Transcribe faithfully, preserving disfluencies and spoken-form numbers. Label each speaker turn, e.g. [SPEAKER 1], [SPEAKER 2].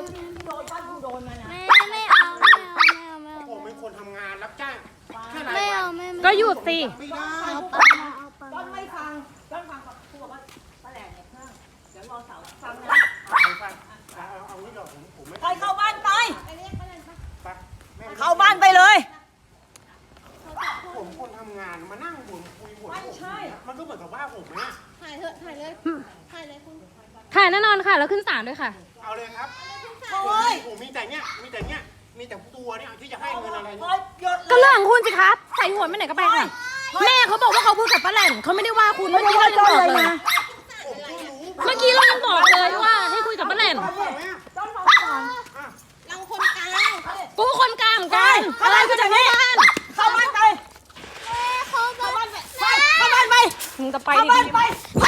[SPEAKER 1] โดนบ้านกูโดนมานะ
[SPEAKER 2] ไม่ไม่เอาไม่เอาไม่เอาไม่เอา
[SPEAKER 3] ผมเป็นคนทำงานรับจ้างแค่ราย
[SPEAKER 2] ไม่
[SPEAKER 3] วั
[SPEAKER 2] เอา
[SPEAKER 3] น
[SPEAKER 2] ไม่
[SPEAKER 4] ก็หยุดสิ
[SPEAKER 3] ไม่ได้
[SPEAKER 2] เอาไปเอาไป
[SPEAKER 1] ต้นไม่ฟังต้นฟังกับครูบอกว่าป้าแหลมเนี่ยเครื่องเดี๋ยวรอเสาฟังนะ
[SPEAKER 3] เอาฟังเอาเอาเอางี้เดี๋ยวผมผมไม่
[SPEAKER 1] ไปเข้าบ้านไป
[SPEAKER 3] ไปแม่
[SPEAKER 1] เข้าบ้านไปเลย
[SPEAKER 3] ผมคนทำงานมานั่งบ่นคุยบ่น
[SPEAKER 1] ไม่ใช่
[SPEAKER 3] มันก็เหมือนกับว่าผมนะ
[SPEAKER 2] ถ่ายเถอะถ่ายเลยถ่ายเลยคุณ
[SPEAKER 4] ถ่ายแน่นอนค่ะ แล้วขึ้นศาลด้วยค่ะ
[SPEAKER 3] เอาเลยครับ
[SPEAKER 1] โอ้ย
[SPEAKER 3] ผมมีแต่เนี้ยมีแต่เนี้ยมีแต่ตัวเนี่ยที่จะให้เงินอะไร
[SPEAKER 1] โอ้
[SPEAKER 3] เนี่ย
[SPEAKER 1] ยหยุด
[SPEAKER 4] ก็เรื่องของคุณสิครับใส่หัวไปไหนก็ไปค่ะ แม่เขาบอกว่าเขาพูดกับป้าแหลมเขาไม่ได้ว่าคุณเมื่อกี้เรายังบอกเลย
[SPEAKER 3] ผมก็รู้
[SPEAKER 4] เมื่อกี้เรายังบอกเลยว่าให้คุยกับป้าแหลม
[SPEAKER 3] เอาไหมอ่ะ
[SPEAKER 1] ต้นฟังก่อน
[SPEAKER 3] อ่ะ
[SPEAKER 2] เราคนกลาง
[SPEAKER 4] กูคนกลางเหมือนกันอะไรก็จะไม่บ้าน
[SPEAKER 1] เข้าบ้านไป
[SPEAKER 2] เขาบ
[SPEAKER 1] เข้า
[SPEAKER 2] อก
[SPEAKER 1] บ้านไปไปเข้าบ้านไป
[SPEAKER 4] มึงจะไป
[SPEAKER 1] เข้าบ้าน
[SPEAKER 4] ดี
[SPEAKER 1] ไป
[SPEAKER 4] ๆ